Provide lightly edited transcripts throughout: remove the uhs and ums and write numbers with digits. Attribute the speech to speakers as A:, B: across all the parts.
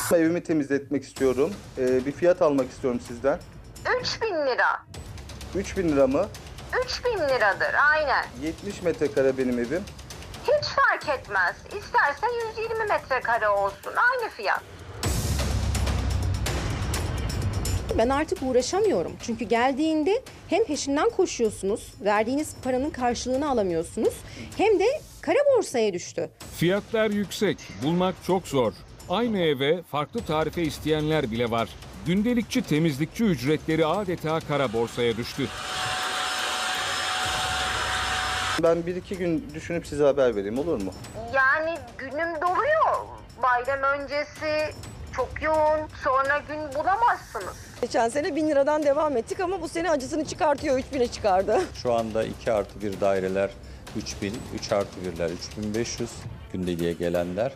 A: Evimi temizletmek istiyorum. Bir fiyat almak istiyorum sizden.
B: 3.000 lira.
A: 3.000 lira mı?
B: 3.000 liradır aynen.
A: 70 metrekare benim evim.
B: Hiç fark etmez. İsterse 120 metrekare olsun. Aynı fiyat.
C: Ben artık uğraşamıyorum. Çünkü geldiğinde hem peşinden koşuyorsunuz, verdiğiniz paranın karşılığını alamıyorsunuz, hem de kara borsaya düştü.
D: Fiyatlar yüksek, bulmak çok zor. Aynı eve farklı tarife isteyenler bile var. Gündelikçi temizlikçi ücretleri adeta kara borsaya düştü.
A: Ben 1-2 gün düşünüp size haber vereyim, olur mu?
B: Yani günüm doluyor. Bayram öncesi çok yoğun. Sonra gün bulamazsınız.
E: Geçen sene 1.000 liradan devam ettik ama bu sene acısını çıkartıyor, 3.000'e çıkardı.
F: Şu anda 2+1 daireler 3.000, 3+1'ler 3.500, gündeliğe gelenler.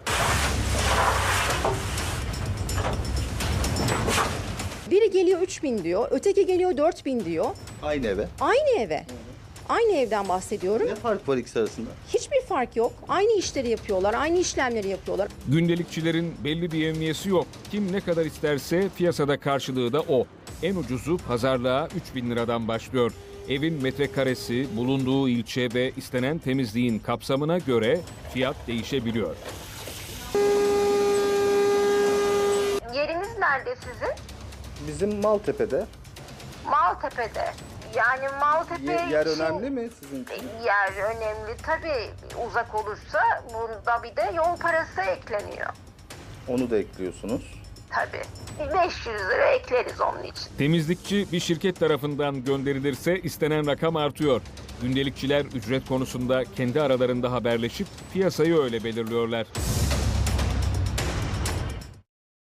C: Biri geliyor 3.000 diyor, öteki geliyor 4.000 diyor.
A: Aynı eve.
C: Aynı eve. Aynı evden bahsediyorum.
A: Ne fark var ikisi arasında?
C: Hiçbir fark yok. Aynı işleri yapıyorlar, aynı işlemleri yapıyorlar.
D: Gündelikçilerin belli bir emniyesi yok. Kim ne kadar isterse piyasada karşılığı da o. En ucuzu pazarlığa 3.000 liradan başlıyor. Evin metrekaresi, bulunduğu ilçe ve istenen temizliğin kapsamına göre fiyat değişebiliyor.
B: Yeriniz nerede sizin?
A: Bizim Maltepe'de.
B: Maltepe'de. Yani Maltepe
A: Yer
B: için...
A: önemli mi sizin için?
B: Yer önemli tabii. Uzak olursa bunda bir de yol parası ekleniyor.
A: Onu da ekliyorsunuz.
B: Tabii. 500 lira ekleriz onun için.
D: Temizlikçi bir şirket tarafından gönderilirse istenen rakam artıyor. Gündelikçiler ücret konusunda kendi aralarında haberleşip piyasayı öyle belirliyorlar.